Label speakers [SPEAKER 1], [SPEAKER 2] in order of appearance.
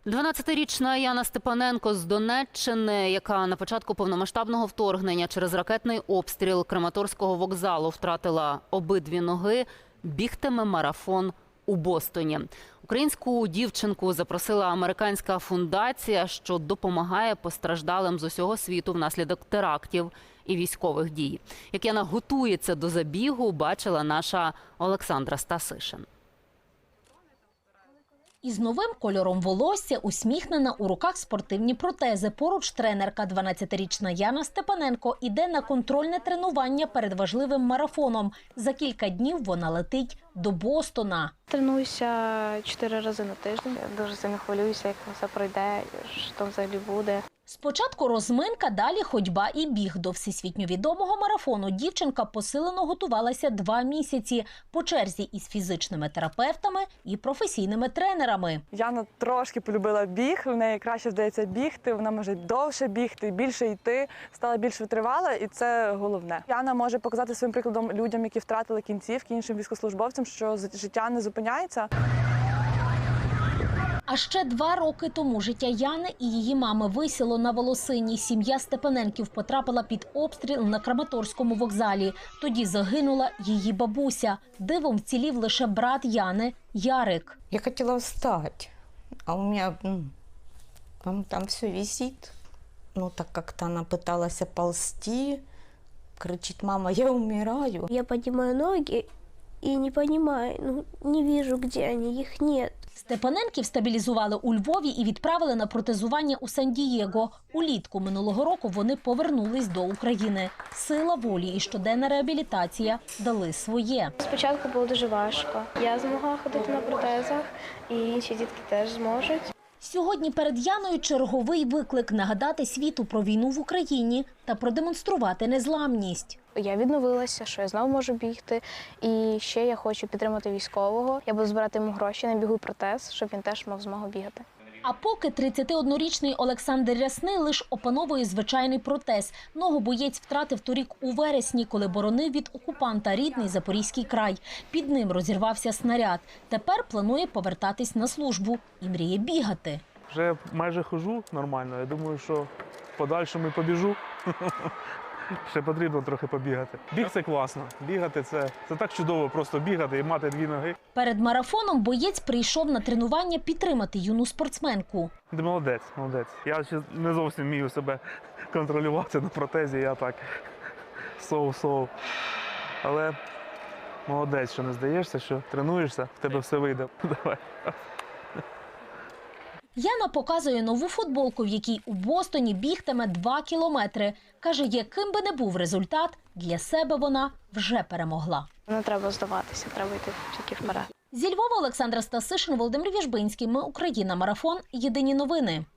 [SPEAKER 1] 12-річна Яна Степаненко з Донеччини, яка на початку повномасштабного вторгнення через ракетний обстріл Краматорського вокзалу втратила обидві ноги, бігтиме марафон у Бостоні. Українську дівчинку запросила американська фундація, що допомагає постраждалим з усього світу внаслідок терактів і військових дій. Як Яна готується до забігу, бачила наша Олександра Стасишин.
[SPEAKER 2] Із новим кольором волосся, усміхнена, у руках спортивні протези. Поруч тренерка, 12-річна Яна Степаненко, іде на контрольне тренування перед важливим марафоном. За кілька днів вона летить до Бостона.
[SPEAKER 3] Тренуюся 4 рази на тиждень. Я дуже сильно хвилююся, як все пройде, що там взагалі буде.
[SPEAKER 2] Спочатку розминка, далі ходьба і біг. До всесвітньо відомого марафону дівчинка посилено готувалася 2 місяці по черзі із фізичними терапевтами і професійними тренерами.
[SPEAKER 4] Яна трошки полюбила біг, в неї краще вдається бігти, вона може довше бігти, більше йти, стала більш витривала, і це головне. Яна може показати своїм прикладом людям, які втратили кінцівки, іншим військовослужбовцям, що життя не зупиняється.
[SPEAKER 2] А ще 2 роки тому життя Яни і її мами висіло на волосині. Сім'я Степаненків потрапила під обстріл на Краматорському вокзалі. Тоді загинула її бабуся. Дивом вцілів лише брат Яни – Ярик.
[SPEAKER 5] Я хотела встать, а у меня там все висит. Ну, так как-то она пыталась ползти, кричит: «Мама, я умираю».
[SPEAKER 3] Я поднимаю ноги и не понимаю, не вижу, где они, их нет.
[SPEAKER 2] Степаненків стабілізували у Львові і відправили на протезування у Сан-Дієго. Улітку минулого року вони повернулись до України. Сила волі і щоденна реабілітація дали своє.
[SPEAKER 3] Спочатку було дуже важко. Я змогла ходити на протезах, і інші дітки теж зможуть.
[SPEAKER 2] Сьогодні перед Яною черговий виклик – нагадати світу про війну в Україні та продемонструвати незламність.
[SPEAKER 3] Я відновилася, що я знову можу бігти, і ще я хочу підтримати військового. Я буду збирати йому гроші на бігу протез, щоб він теж мав змогу бігати.
[SPEAKER 2] А поки 31-річний Олександр Рясний лише опановує звичайний протез. Ногу боєць втратив торік у вересні, коли боронив від окупанта рідний Запорізький край. Під ним розірвався снаряд. Тепер планує повертатись на службу і мріє бігати.
[SPEAKER 6] Вже майже ходжу нормально. Я думаю, що в подальшому побіжу. Ще потрібно трохи побігати. Біг – це класно. Бігати – це так чудово, просто бігати і мати 2 ноги.
[SPEAKER 2] Перед марафоном боєць прийшов на тренування підтримати юну спортсменку.
[SPEAKER 6] Ти молодець, молодець. Я ще не зовсім вмію себе контролювати на протезі, я так соу-соу. Але молодець, що не здаєшся, що тренуєшся, в тебе все вийде. Давай.
[SPEAKER 2] Яна показує нову футболку, в якій у Бостоні бігтиме 2 кілометри. Каже, яким би не був результат, для себе вона вже перемогла.
[SPEAKER 3] Не треба здаватися, треба йти тільки вперед.
[SPEAKER 2] Зі Львова Олександра Стасишин, Володимир Віжбинський. Ми Україна. Марафон. Єдині новини.